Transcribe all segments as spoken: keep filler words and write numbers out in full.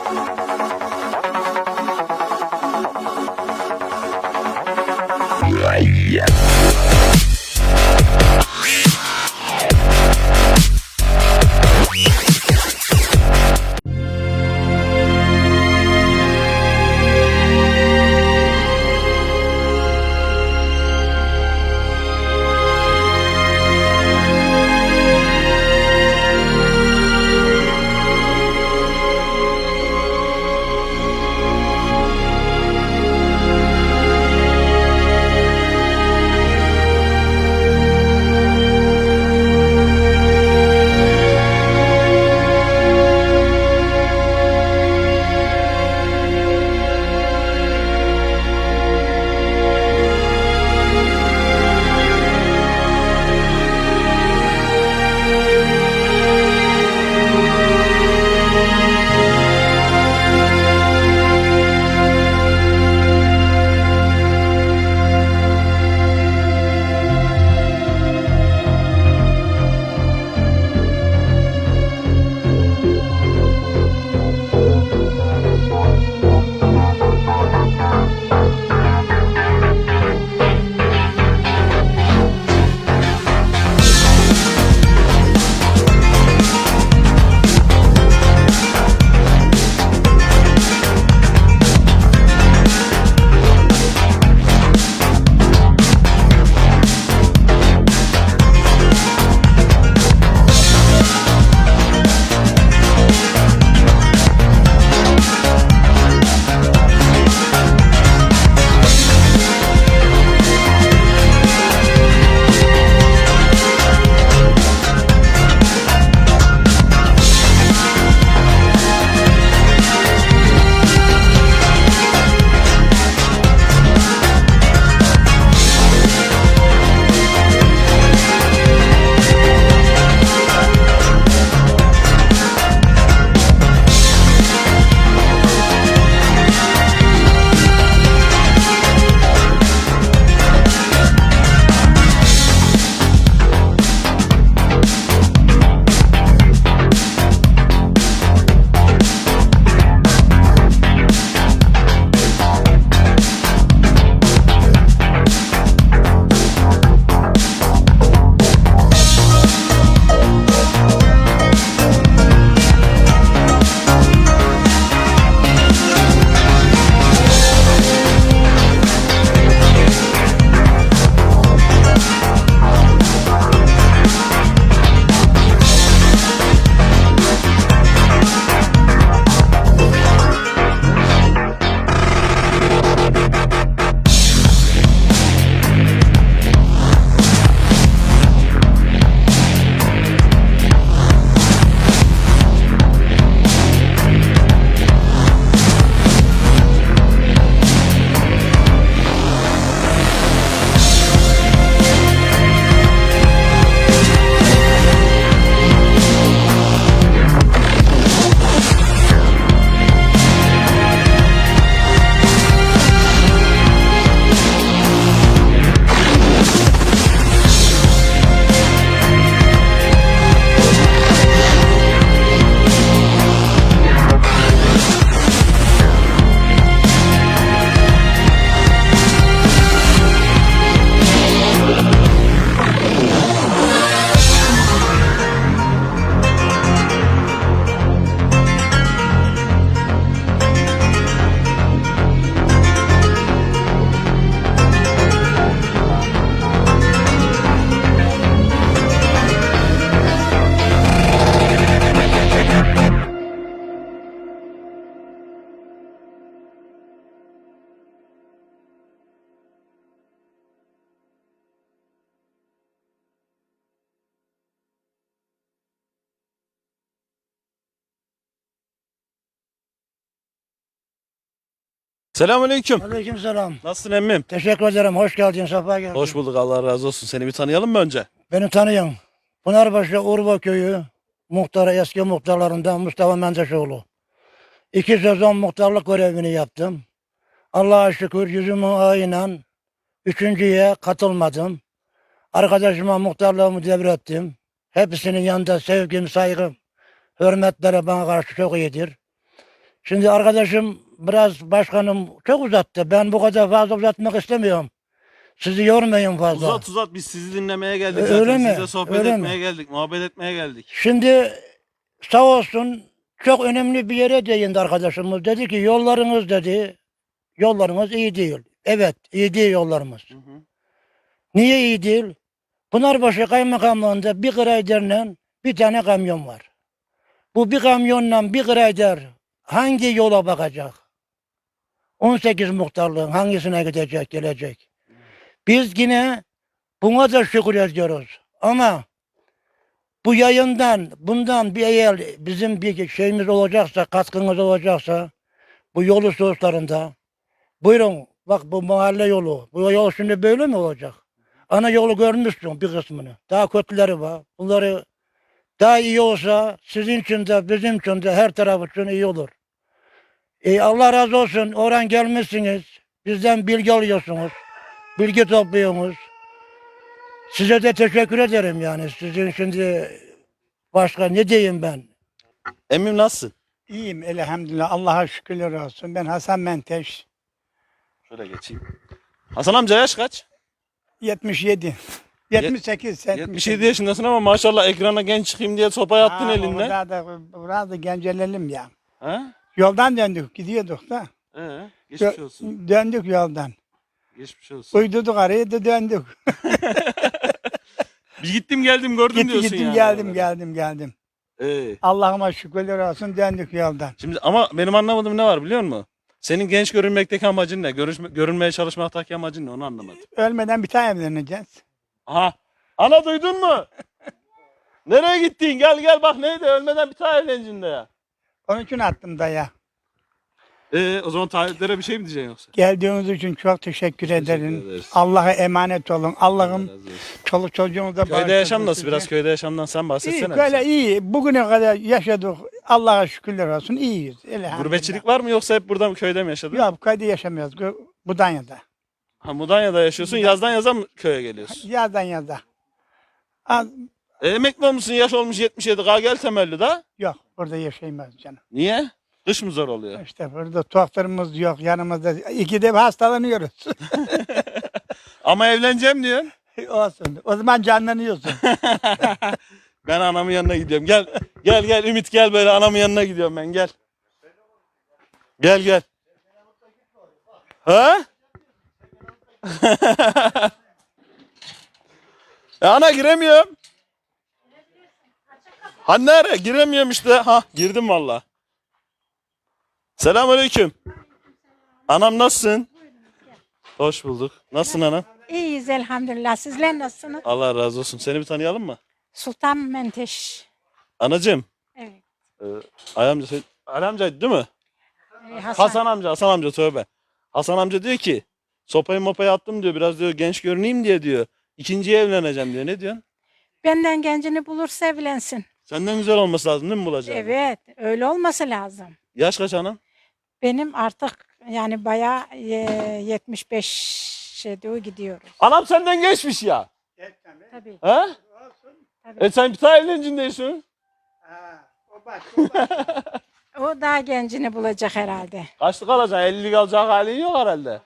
Selamünaleyküm. Aleykümselam. Nasılsın emmim? Teşekkür ederim. Hoş geldin. Safa geldin. Hoş bulduk, Allah razı olsun. Seni bir tanıyalım mı önce? Beni tanıyın. Pınarbaşı Urba Köyü muhtarı, eski muhtarlarından Mustafa Mendeşoğlu. İki sezon muhtarlık görevini yaptım. Allah'a şükür yüzümün ağıyla üçüncüye katılmadım. Arkadaşıma muhtarlığımı devrettim. Hepsinin yanında sevgim, saygım, hürmetleri bana karşı çok iyidir. Şimdi arkadaşım biraz başkanım çok uzattı. Ben bu kadar fazla uzatmak istemiyorum. Sizi yormayın fazla. Uzat uzat biz sizi dinlemeye geldik Ö- zaten. öyle mi? Sizle sohbet Öyle etmeye mi? geldik. Muhabbet etmeye geldik. Şimdi sağ olsun çok önemli bir yere değindi arkadaşımız. Dedi ki yollarınız dedi. Yollarımız iyi değil. Evet iyi değil yollarımız. Hı hı. Niye iyi değil? Pınarbaşı Kaymakamlığı'nda bir graderle bir tane kamyon var. Bu bir kamyonla bir grader hangi yola bakacak? on sekiz muhtarlığın hangisine gidecek, gelecek? Biz yine buna da şükür ediyoruz. Ama bu yayından, bundan bir eğer bizim bir şeyimiz olacaksa, katkımız olacaksa bu yol hususlarında buyurun bak bu mahalle yolu. Bu yol şimdi böyle mi olacak? Ana yolu görmüşsün bir kısmını. Daha kötüleri var. Bunları daha iyi olsa sizin için de bizim için de her taraf için iyi olur. E, Allah razı olsun. Oradan gelmişsiniz. Bizden bilgi alıyorsunuz. Bilgi topluyorsunuz. Size de teşekkür ederim yani. Sizin şimdi başka ne diyeyim ben? Emmim nasılsın? İyiyim elhamdülillah. Allah'a şükürler olsun. Ben Hasan Menteş. Şöyle geçeyim. Hasan amca yaş kaç? yetmiş yedi. yetmiş sekiz. yetmiş yedi yaşındasın ama maşallah ekrana genç çıkayım diye sopayı attın elinden. Burada da, burada da gencelelim ya. Ha? Yoldan döndük. Gidiyorduk da. Ee, geçmiş Dö- olsun. Döndük yoldan. Geçmiş olsun. Uydurduk arayı da döndük. Bir gittim geldim gördüm Gitti diyorsun gittim yani. geldim oraları. geldim geldim. Ee, Allah'ıma şükürler olsun döndük yoldan. şimdi ama benim anlamadığım ne var biliyor musun? Senin genç görünmekteki amacın ne? Görüşme, görünmeye çalışmaktaki amacın ne? Onu anlamadım. Ölmeden bir tane evleneceğiz. Aha. Ana duydun mu? Nereye gittin? Gel gel bak neydi? Ölmeden bir tane evleneceksin de ya. Onun için attım daya. Ee, o zaman taahhütlere bir şey mi diyeceksin yoksa? Geldiğiniz için çok teşekkür, ederim. ederiz. Allah'a emanet olun. Allah'ım Allah razı olsun. çoluk çocuğunuza Köyde bağışlasın yaşam nasıl? sizi. Biraz köyde yaşamdan sen bahsetsene. İyi, böyle bize. iyi. Bugüne kadar yaşadık. Allah'a şükürler olsun. İyiyiz. Elhamdülillah. Gurbetçilik var mı yoksa hep burada mı köyde mi yaşadın? Yok, köyde yaşamıyoruz. Gö- Budanya'da. Ha, Mudanya'da yaşıyorsun. Yazdan yaza mı köye geliyorsun? Yazdan yaza. Az, E, emekli olmuşsun, yaş olmuş yetmiş yedi. Kalk gel temelli da. yok, burada yaşayamıyoruz canım. Niye? Kış mı zor oluyor? İşte burada doktorumuz yok yanımızda. İkide bir hastalanıyoruz. Ama evleneceğim diyorsun. Olsun. O zaman canlanıyorsun. Ben anamın yanına gidiyorum. Gel. Gel gel Ümit gel böyle anamın yanına gidiyorum ben gel. Gel gel. Ha? Ya ana giremiyorum. Ha nereye? Giremiyorum işte. Ha girdim valla. Selamünaleyküm. Anam nasılsın? Hoş bulduk. Nasılsın anam? İyiyiz elhamdülillah. Sizler nasılsınız? Allah razı olsun. Seni bir tanıyalım mı? Sultan Menteş. Anacığım. Evet. E, Ali amca, söyle- Ali amca değil mi? Ee, Hasan. Hasan amca, Hasan amca tövbe. Hasan amca diyor ki sopayı mopayı attım diyor. Biraz diyor genç görüneyim diye diyor. İkinciye evleneceğim diyor. Ne diyorsun? Benden gencini bulursa evlensin. Senden güzel olması lazım değil mi bulacağın? Evet. Öyle olması lazım. Yaş kaç anam? Benim artık yani bayağı e, yetmiş beşe doğru gidiyoruz. Anam senden geçmiş ya. Tabii. Ha? Tabii. E sen bir tane evlencin diyorsun. O daha gencini bulacak herhalde. Kaçlık alacaksın? ellilik alacak halin yok herhalde.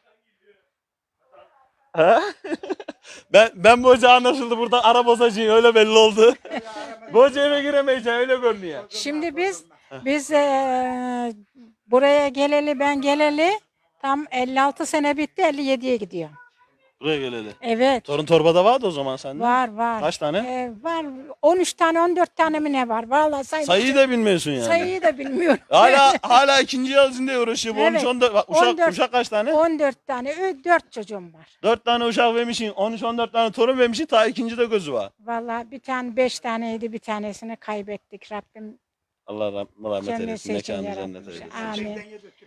Ha? ben ben bu hoca anlaşıldı burada ara bozacıyım öyle belli oldu. Bu hoca eve giremeyeceksin öyle görünüyor. Şimdi biz biz e, buraya geleli ben geleli tam elli altı sene bitti elli yediye gidiyor. Buraya geleli. Evet. Torun torbada vardı o zaman sende. Var var. Kaç tane? Ee, var on üç tane on dört tane mi ne var? Vallahi say Sayıyı da bilmiyorsun yani. sayıyı da bilmiyorum. Hala hala ikinci yıl içinde uğraşıyor. Bu Evet. on üç on dört bak, uşak, on dört uşak kaç tane? on dört tane, dört çocuğum var. dört tane uşak vermişsin. on üç on dört tane torun vermişsin. Ta ikinci de gözü var. Vallahi bir tane beş taneydi, bir tanesini kaybettik. Rabbim Allah rah- rahmet cenneti eylesin. için Mekanı cennet yaratmış. eylesin. Amin.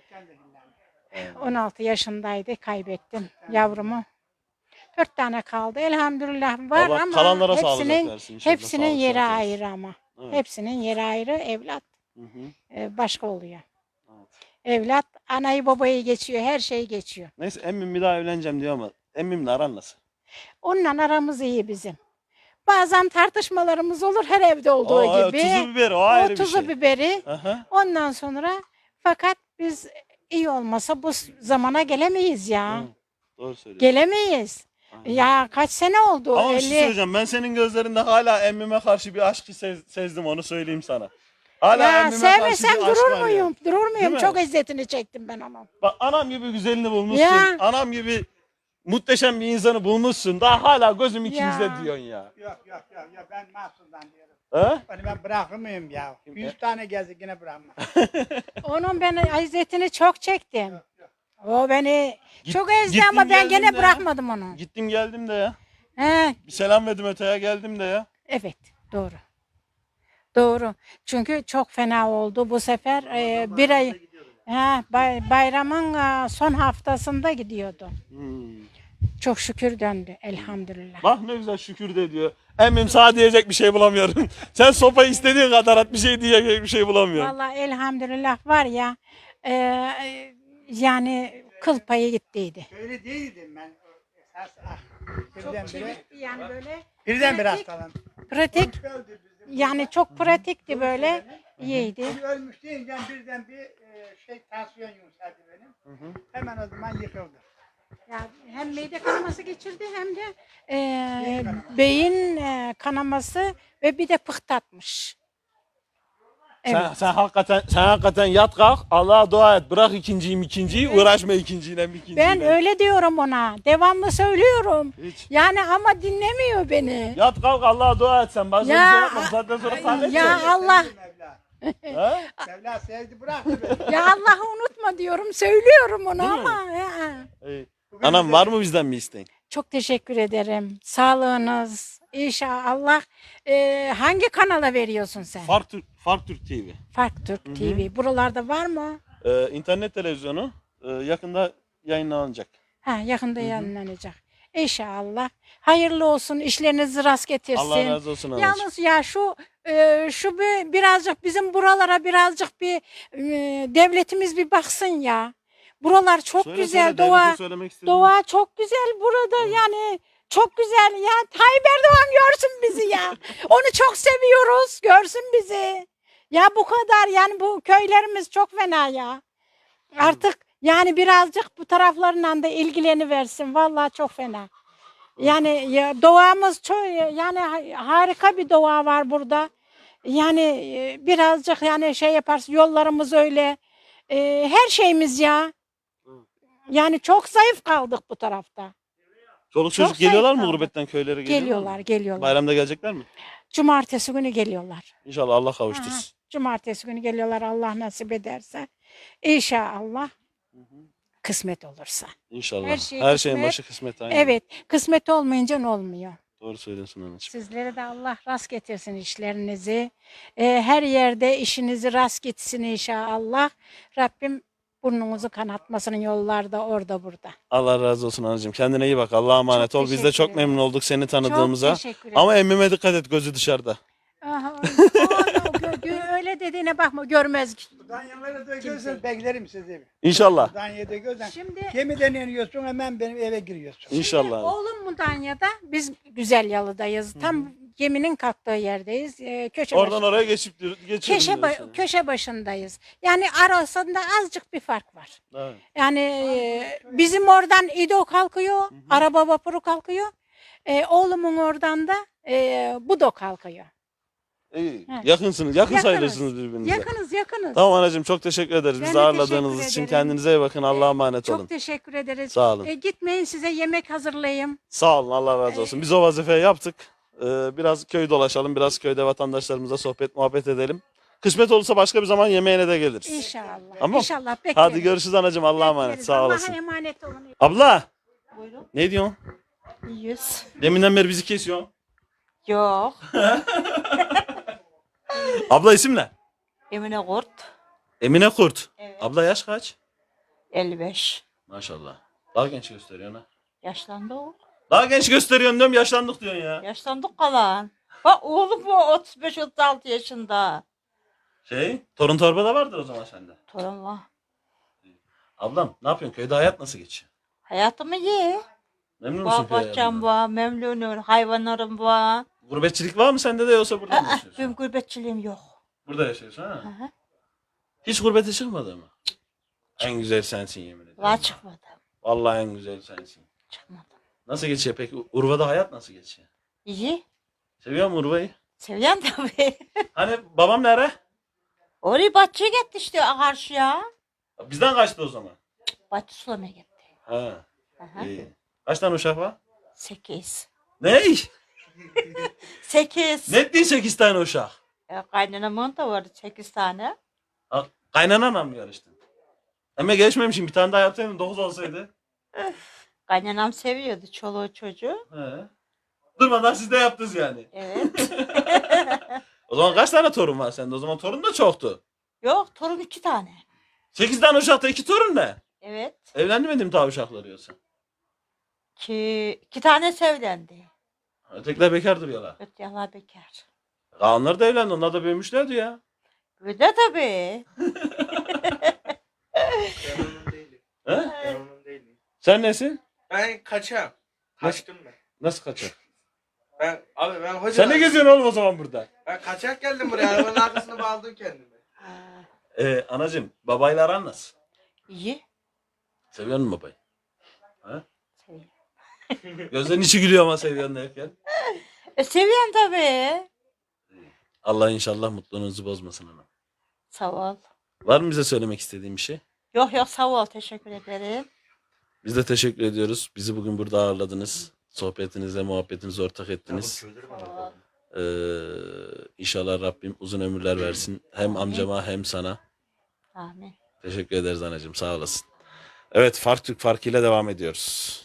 on altı yaşındaydı, kaybettim yavrumu. Dört tane kaldı. Elhamdülillah var Allah ama kalanlara sağlık hepsinin versin inşallah. hepsinin Sağlık, yeri sıhhat versin. ayrı ama. Evet. Hepsinin yeri ayrı. Evlat Hı hı. e, başka oluyor. Evet. Evlat anayı babayı geçiyor, her şeyi geçiyor. Neyse emmim bir daha evleneceğim diyor ama emmimle aran nasıl? Onunla aramız iyi bizim. Bazen tartışmalarımız olur her evde olduğu O, gibi. tuzu biberi o ayrı o bir tuzu şey. biberi. Aha. Ondan sonra Fakat biz iyi olmasa bu zamana gelemeyiz ya. Hı, doğru söylüyorsun. Gelemeyiz. Aynen. Ya kaç sene oldu? Ama bir şey elli söyleyeceğim. Ben senin gözlerinde hala emmime karşı bir aşkı sez- sezdim, onu söyleyeyim sana. Hala Ya emmime karşı sevmesem bir aşk durur var ya. muyum? Durur Değil muyum? mi? Çok eziyetini çektim ben onun. Bak, anam gibi güzelini bulmuşsun. Ya. Anam gibi muhteşem bir insanı bulmuşsun. Daha hala gözüm ikinizde Ya. diyorsun ya. Yok yok yok yok ben mahsusdan diyorum. He? Onu ben bırakır mıyım ya? Yüz tane gezdik yine bırakmam. Onun ben eziyetini çok çektim. O beni Git- çok ezdi gittim ama ben geldim gene de. bırakmadım onu. Gittim geldim de ya. He, Bir selam verdim öteye, geldim de ya. evet, doğru. Doğru. Çünkü çok fena oldu bu sefer. E, bir ay he, bay- bayramın e, son haftasında gidiyordu. Hmm. Çok şükür döndü elhamdülillah. Bak ne güzel şükür de diyor. Emmim sana diyecek bir şey bulamıyorum. Sen sopayı istediğin kadar at, bir şey diyecek bir şey bulamıyorum. Vallahi elhamdülillah var ya e, e, yani kıl payı gittiydi. Öyle değildim ben. Esas ah. Çok Birdenbire, çevikti yani böyle. birdenbire pratik, hastalandım. pratik Öldü bizim. yani çok pratikti böyle. İyiydi. Biri ölmüş deyince birden bir e, şey tansiyon yükseldi benim. Hemen o zaman yıkıldı. Ya hem mide kanaması geçirdi hem de e, beyin e, kanaması ve bir de pıhtatmış. Evet. Sen, sen hakikaten sen hakikaten yat kalk, Allah'a dua et. Bırak ikinciyi ikinciyi, uğraşma ikinciyle ikinciyle. Ben öyle diyorum ona. Devamlı söylüyorum. Hiç. Yani ama dinlemiyor beni. Yat kalk, Allah'a dua et sen. Başka Ya, bir şey yapma. Zaten sonra halledeceksin. ya Allah. Sevdi Mevla. Ha? Mevla sevdi bıraktı beni. Ya Allah'ı unutma diyorum. Söylüyorum onu Değil mi? ama. ya. İyi. Anam, var mı bizden bir isteğin? Çok teşekkür ederim. Sağlığınız. İnşallah Allah e, hangi kanala veriyorsun sen? Fark Türk, Fark Türk T V. Fark Türk T V. Buralarda var mı? Ee, internet televizyonu e, yakında yayınlanacak. Ha, yakında yayınlanacak. İnşallah. Hayırlı olsun. İşlerinizi rast getirsin. Allah razı olsun anacığım. Yalnız ya şu e, şu bir, birazcık bizim buralara birazcık bir e, devletimiz bir baksın ya. Buralar çok Söyle, güzel. söyle, doğa devlete söylemek istediğin- doğa çok güzel burada yani. Çok güzel ya. Tayyip Erdoğan görsün bizi ya. Onu çok seviyoruz. Görsün bizi. Ya bu kadar yani bu köylerimiz çok fena ya. Artık yani birazcık bu taraflarla da ilgileni versin. Vallahi çok fena. Yani ya, doğamız çok yani ha- harika bir doğa var burada. Yani e, birazcık yani şey yaparsın yollarımız öyle. E, her şeyimiz ya. Yani çok zayıf kaldık bu tarafta. Çoluk Çok çocuk geliyorlar mı zayıf gurbetten köylere geliyorlar Geliyorlar, mı? geliyorlar. Bayramda gelecekler mi? Cumartesi günü geliyorlar. İnşallah Allah Aha, kavuştursun. cumartesi günü geliyorlar Allah nasip ederse. İnşallah kısmet olursa. İnşallah. Her Her, şey şeyin kısmet. başı kısmet. Aynen. Evet, kısmet olmayınca ne olmuyor? Doğru söylüyorsun anacığım. Sizlere de Allah rast getirsin işlerinizi. Ee, her yerde işinizi rast gitsin inşallah. Rabbim burnunuzu kanatmasın yollarda orada burada. Allah razı olsun anacığım. Kendine iyi bak. Allah'a emanet Çok ol. Biz de teşekkür çok ederim. memnun olduk seni tanıdığımıza. Çok teşekkür ederim. Ama emmime dikkat et, gözü dışarıda. Aha, o- o- gö- gö- öyle dediğine bakma görmez. Danyaları da gözler beklerim sizi. İnşallah. Danya'da gözden. Şimdi Gemiden iniyorsun hemen benim eve giriyorsun. İnşallah. oğlum Mudanya'da biz Güzel Yalı'dayız. Tam geminin kalktığı yerdeyiz. Ee, köşe Oradan başı- oraya geçip geçiyorum. köşe, ba- köşe başındayız. Yani arasında azıcık bir fark var. Evet. Yani e, bizim oradan İdo kalkıyor, araba vapuru kalkıyor. E, oğlumun oradan da e, Budo kalkıyor. İyi. Evet. Yakınsınız. Yakın Yakınız. sayılırsınız birbirinize. Yakınız yakınız. Tamam anacığım, çok teşekkür ederiz. Ben Bizi de ağırladığınız teşekkür için ederim. kendinize iyi bakın. Allah'a emanet Çok olun. teşekkür ederiz. Sağ olun. E, gitmeyin size yemek hazırlayayım. Sağ olun. Allah razı olsun. Biz o vazifeyi yaptık. Ee, biraz köy dolaşalım. Biraz köyde vatandaşlarımıza sohbet muhabbet edelim. Kısmet olursa başka bir zaman yemeğine de geliriz. İnşallah. Tamam. İnşallah bekleriz. Hadi görüşürüz anacığım. Allah'a emanet. Bekleriz. Sağ Allah'a olasın. emanet olun. Abla. Buyurun. Ne diyorsun? Yüz. Deminden beri bizi kesiyorsun. Yok. Abla isim ne? Emine Kurt. Emine Kurt. Evet. Abla yaş kaç? elli beş. Maşallah. Daha genç gösteriyorsun ha. Yaşlandı o. Daha genç gösteriyorsun diyorum, yaşlandık diyorsun ya. Yaşlandık kalan. Bak oğlum bu otuz beş otuz altı yaşında. Şey, torun torba da vardır o zaman sende. Torun var. Ablam ne yapıyorsun? Köyde hayat nasıl geçiyor? Hayatımı iyi. Memnun musun Var köy bahçem hayatından? var, memnunum, hayvanlarım var. Gurbetçilik var mı sende de, yoksa burada mı Aa, yaşıyorsun? benim gurbetçiliğim yok. Burada yaşıyorsun ha? Hı hı. Hiç gurbete çıkmadı mı? En güzel sensin yemin ederim. Valla çıkmadım. Vallahi en güzel sensin. Çıkmadım. Nasıl geçiyor peki? Urva'da hayat nasıl geçiyor? İyi. Seviyor musun Urva'yı? Seviyen tabii. Hani babam nere? Orayı bahçeye gitti işte karşıya. Bizden kaçtı o zaman. Bahçe sulamaya gitti. Ha. Aha. İyi. Kaç tane uşak var? Sekiz. Ne? Sekiz. Ne diye sekiz tane uşak? E, kaynanamın da vardı sekiz tane. Ha, kaynananla mı yarıştın? Ama geçmemişim. Bir tane daha yapsaydın dokuz olsaydı. Kaynanam seviyordu çoluğu çocuğu. He. Durmadan siz de yaptınız yani. Evet. O zaman kaç tane torun var sende? O zaman torun da çoktu. Yok torun iki tane. Sekiz tane uşakta iki torun ne? Evet. Evlenmedim tabi uşakları yoksa. Ki iki tane evlendi. Ötekiler bekar duruyorlar. Ötyalar bekar. Kaanlar da evlendi. Onlar da büyümüşlerdi ya. Öyle tabii. Ben onun değilim. He? Ben onun değilim. Sen nesin? Ben kaçam. Kaçtım ben. Nasıl kaçak? Ben abi ben hoca. Sen ne geziyorsun oğlum o zaman burada? Ben kaçak geldim buraya. Arabanın arkasına bağladım kendimi. Ha, Ee, anacığım babayla aran nasıl? iyi. Seviyor musun babayı? Seviyorum. Gözlerin içi gülüyor ama seviyorsun derken. E, seviyen tabii. Allah inşallah mutluluğunuzu bozmasın ana. Sağ ol. Var mı bize söylemek istediğin bir şey? Yok yok sağ ol teşekkür ederim. Biz de teşekkür ediyoruz. Bizi bugün burada ağırladınız. Sohbetinize, muhabbetinize ortak ettiniz. Ee, inşallah Rabbim uzun ömürler versin. Hem amcama hem sana. Amin. Teşekkür ederiz anacığım. Sağ olasın. Evet, Fark Türk Farkı ile devam ediyoruz.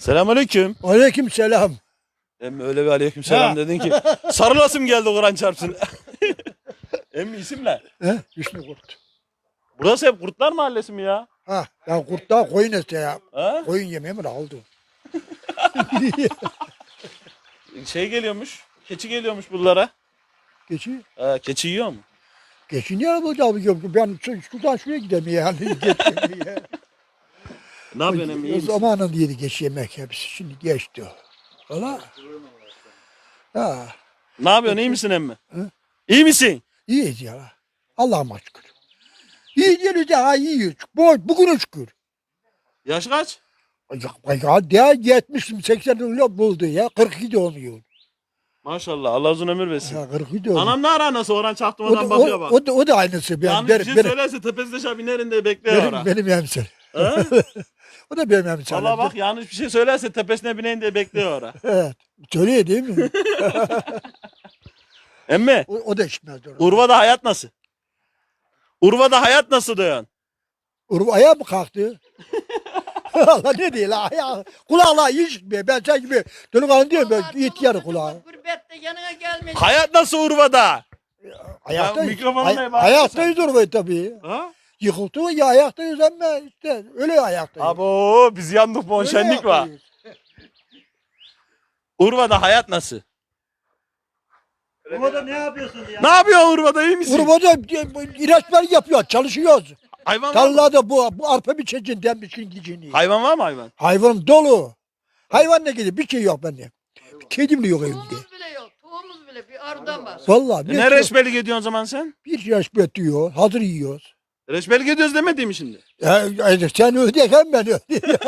Selamünaleyküm. Aleyküm selam. Emmi öyle bir aleyküm selam Ha. dedin ki sarılasım geldi Kur'an çarpsın. Emmi isim ne? He? Hüsnü Kurt. Burası hep Kurtlar Mahallesi mi ya? Ha, ya kurtlar koyun etse ya. Ha? Koyun yemeği mi aldı? Şey geliyormuş. Keçi geliyormuş buralara. Geçi. Ha, keçi yiyor mu? Geçi niye bulacağım? Ben şu- şuradan şuraya gideyim yani. Geçeyim ya. Ne yapıyorsun Emmi? iyi O misin? zamanın yedi geç yemek hepsi. Şimdi geçti o. Valla. Ha, Ne yapıyorsun? İyi misin Emmi? Hı? İyi misin? iyiyiz ya. Allah'ıma şükür. İyi değiliz ya, iyiyiz. Bu, bugüne şükür. Yaş kaç? Ya, ya ya yetmiş seksen öyle buldu ya. kırk iki doğmuyor. Maşallah Allah uzun ömür versin. Ya kırk iki doğmuyor. Anam ne ara nasıl Orhan o, çaktırmadan da, bakıyor o, bak. o, da, o da aynısı. Ben, Yanlış benim, bir şey benim, söylerse tepesinde şabinerin de bekliyor benim, ora. benim emsal. Ha? O da benim emsalim. Valla bak yanlış bir şey söylerse tepesine bineyim diye bekliyor ora. Evet. Söylüyor değil mi? Emmi O, o da içmez. Urva. Urva'da hayat nasıl? Urva'da hayat nasıl diyorsun? Urva ayağa mı kalktı? Allah ne diyor la ayağı. Kulağla iyi işitmiyor. Ben sen gibi delikanlı diyorum ben ihtiyarı kulağı. Gurbette yanına gelmedi. Hayat nasıl Urva'da? Ayaktayız. mikrofonu Ay, ne bağlı ayaktayız Urva'yı tabii. Ha? Yıkıldı ya ayaktayız ama işte öyle ayaktayız. Abo biz yandık bu Öyle şenlik var. ayaktayız. Urva'da hayat nasıl? Urva'da ne yapıyorsun ya? Ne yapıyor Urva'da iyi misin? Urva'da ilaçlar yapıyor, çalışıyoruz. Hayvan var mı? Tarlada bu, bu arpa biçeceğinden biçin gideceğini. Hayvan var mı hayvan? Hayvan dolu. Hayvan ne gidiyor? Bir şey yok bende. Kedim bile yok evimde. Tohumumuz bile yok. Tohumumuz bile bir arıdan var. Vallahi E bir, ne şey- reçbelik ediyorsun o zaman sen? bir yaş bekliyor. Hazır yiyoruz. Reçbelik ediyoruz demediğim mi şimdi? Ya, ya sen ödeyken ben ödeyeyim.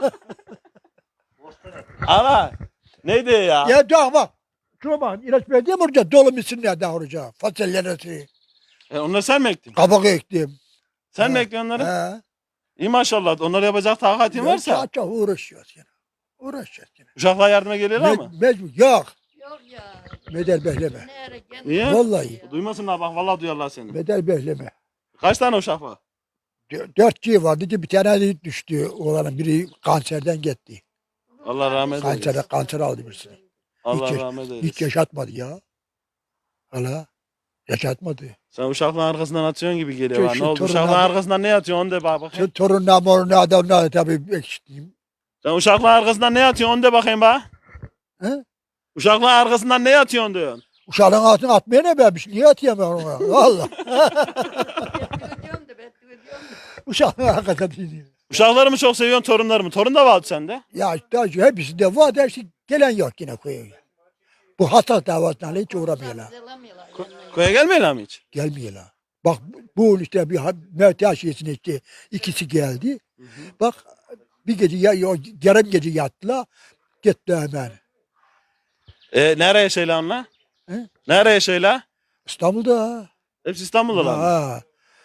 Ana neydi ya? Ya daha bak. Şuna bak. İlaç verdiğim orada dolu misinler daha orada. Fasulyeleri, E, onları sen mi ektin? kabak ektim. Sen mi Ha. ektin onları? He. İyi maşallah. Onları yapacak takatin varsa. Çok çok uğraşıyoruz yine. Uğraşıyoruz yine. Uşaklar yardıma geliyorlar mı? Me mecbur. Yok. Yok ya. Bedel bekleme. Nere gel. Niye? Vallahi. Duymasınlar bak vallahi duyarlar seni. Bedel bekleme. Kaç tane uşak var? Dö- Dört G vardı. Bir tane de düştü. Oğlanın biri kanserden gitti. Allah rahmet eylesin. Kanser, kanser aldı birisini. Allah hiç, rahmet Hiç eylesin. yaşatmadı ya. Hala. Yaşatmadı. Sen uşakların arkasından atıyorsun gibi geliyor. Şu- bana. şu Ne oldu? torunlar- Uşakların arkasından ne yatıyorsun onu de bak bakayım. Sen torunlar morunlar adamlar tabii ekşiteyim. Sen uşakların arkasından ne yatıyorsun onu de bakayım bak. He? Uşakların arkasından ne yatıyorsun diyorsun. Uşağın altına atmaya ne vermiş? Niye atayım ben ona? Valla. Ödüyorum da ben ödüyorum da. Uşağın arkasına değil. Uşakları mı çok seviyorsun torunları mı? Torun da vardı sende. Ya işte hepsinde var da işte gelen yok yine koyuyor. Bu hassas davasından hiç uğramıyorlar. Zelamıyorlar. Koya gelmeyin mi hiç? Gelmiyorlar. Bak bu işte bir ha- Mehdi Aşiyesi'ne işte ikisi geldi. Bak bir gece ya, ya yarım gece yattılar. Gitti hemen. E, nereye şeyle onlar? He? Nereye şeyle? İstanbul'da. Hepsi İstanbul'dalar mı? Ha.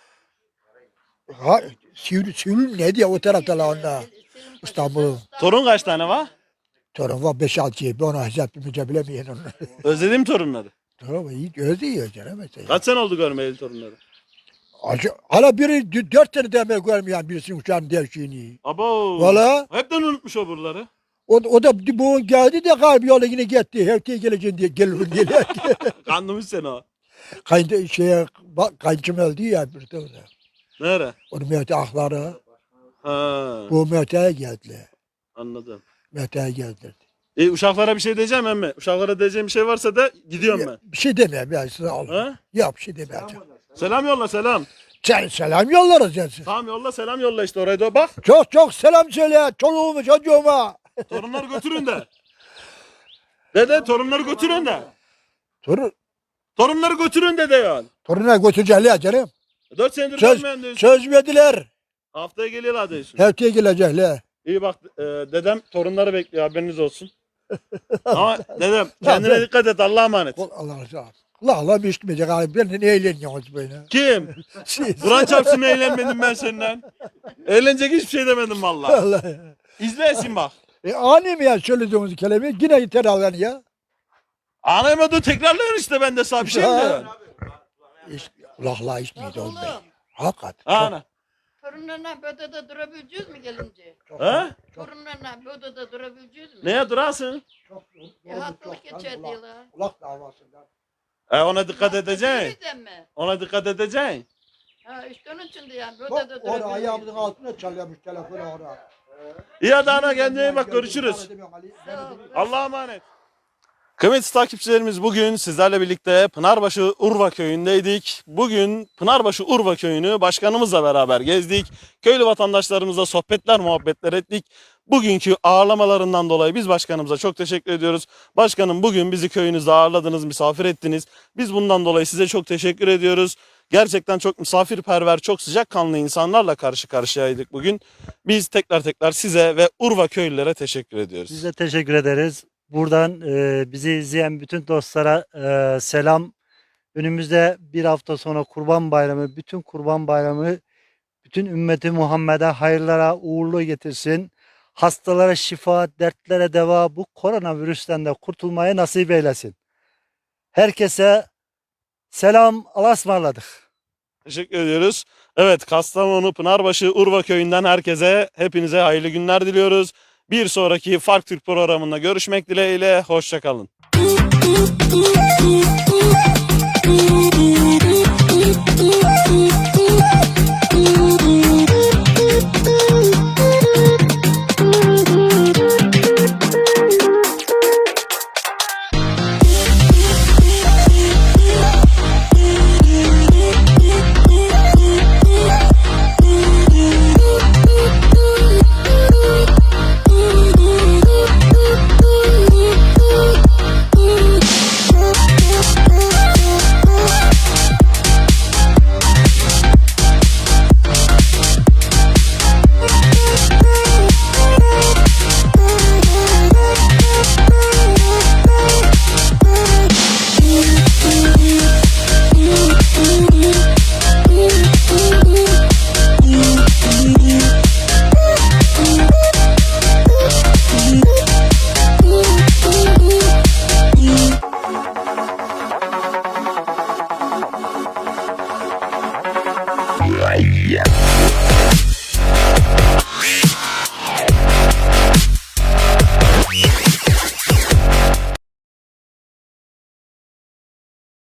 Ha, Sivri, Sivri ne diye o taraftalar onlar. İstanbul'un. Torun kaç tane var? Torun var beş altı yedi. Onu hesaplayınca bilemeyen onu. Özledim torunları. Torun var iyi özlüyor canım mesela. Kaç sene oldu görmeyeli torunları? Acı, hala biri d- dört sene demek görmeyen birisinin uçağın devşiğini. Abo. Valla. Hepten unutmuş o buraları. O, o da bu geldi de kalbi yola yine gitti. Hevteye geleceğim diye gelirim diye. Kandırmış seni o. Kayın, şeye, bak, kayınçım öldü ya bir de orada. Nere? Onun Mehdi ahları. Ha, Bu Mehdi'ye geldiler. anladım. Mehdi'ye geldiler. E, uşaklara bir şey diyeceğim emmi. Uşaklara diyeceğim bir şey varsa da gidiyorum ben. Bir şey demeyeyim ya size al. Ha? Yok bir şey demeyeceğim. Selam yolla selam. Sen selam yollarız yani. Tamam yolla selam yolla işte oraya da bak. Çok çok selam söyle çoluğuma çocuğuma. Torunları götürün de. Dede torunları götürün de. Torun, Torunları götürün de diyorsun. toruna götürecekler canım. Dört senedir Söz, görmeyen diyorsun. söz verdiler. Haftaya geliyorlar diyorsun. Hevteye gelecekler. İyi bak e, dedem torunları bekliyor haberiniz olsun. Ama dedem kendine dikkat et Allah'a emanet. Kol Allah razı olsun. Allah Allah bir işitmeyecek abi. Ben ne eğleniyorsunuz böyle. Kim? Siz. Kur'an çarpsın eğlenmedim ben senden. Eğlenecek hiçbir şey demedim vallahi. Allah. İzleyesin bak. E ani mi ya söylediğiniz kelimeyi yine yeter al yani ya. Anayamadı tekrarlıyorsun işte ben de sana bir şey mi Ha. diyorum? İş, kulakla işitmeydi oğlum Oğlum. bey. Hakikat. Ana. Torunlarla bir odada durabileceğiz mi gelince? He? Torunlarla bir odada durabileceğiz mi? Neye durasın? Çok, E, hastalık geçer diyorlar. Kulak davasından. E ona dikkat Hasta edeceksin. değilsen mi? Ona dikkat edeceksin. Ha işte onun için de yani bir Bak odada orada ayağımızın durabileceğiz. altına çalıyormuş telefonu orada. İyi hadi ana kendine iyi bak görüşürüz. Sağ ol. Allah'a emanet. Kıymetli takipçilerimiz bugün sizlerle birlikte Pınarbaşı Urva köyündeydik. Bugün Pınarbaşı Urva köyünü başkanımızla beraber gezdik. Köylü vatandaşlarımızla sohbetler muhabbetler ettik. Bugünkü ağırlamalarından dolayı biz başkanımıza çok teşekkür ediyoruz. Başkanım bugün bizi köyünüzde ağırladınız, misafir ettiniz. Biz bundan dolayı size çok teşekkür ediyoruz. Gerçekten çok misafirperver, çok sıcakkanlı insanlarla karşı karşıyaydık bugün. Biz tekrar tekrar size ve Urva köylülere teşekkür ediyoruz. Biz de teşekkür ederiz. Buradan e, bizi izleyen bütün dostlara e, selam. Önümüzde bir hafta sonra Kurban Bayramı, bütün Kurban Bayramı bütün ümmeti Muhammed'e hayırlara uğurlu getirsin. Hastalara şifa, dertlere deva, bu koronavirüsten de kurtulmayı nasip eylesin. Herkese selam, Allah'a ısmarladık. Teşekkür ediyoruz. Evet, Kastamonu Pınarbaşı Urva köyünden herkese, hepinize hayırlı günler diliyoruz. Bir sonraki Fark Türk programında görüşmek dileğiyle. Hoşça kalın. Yeah.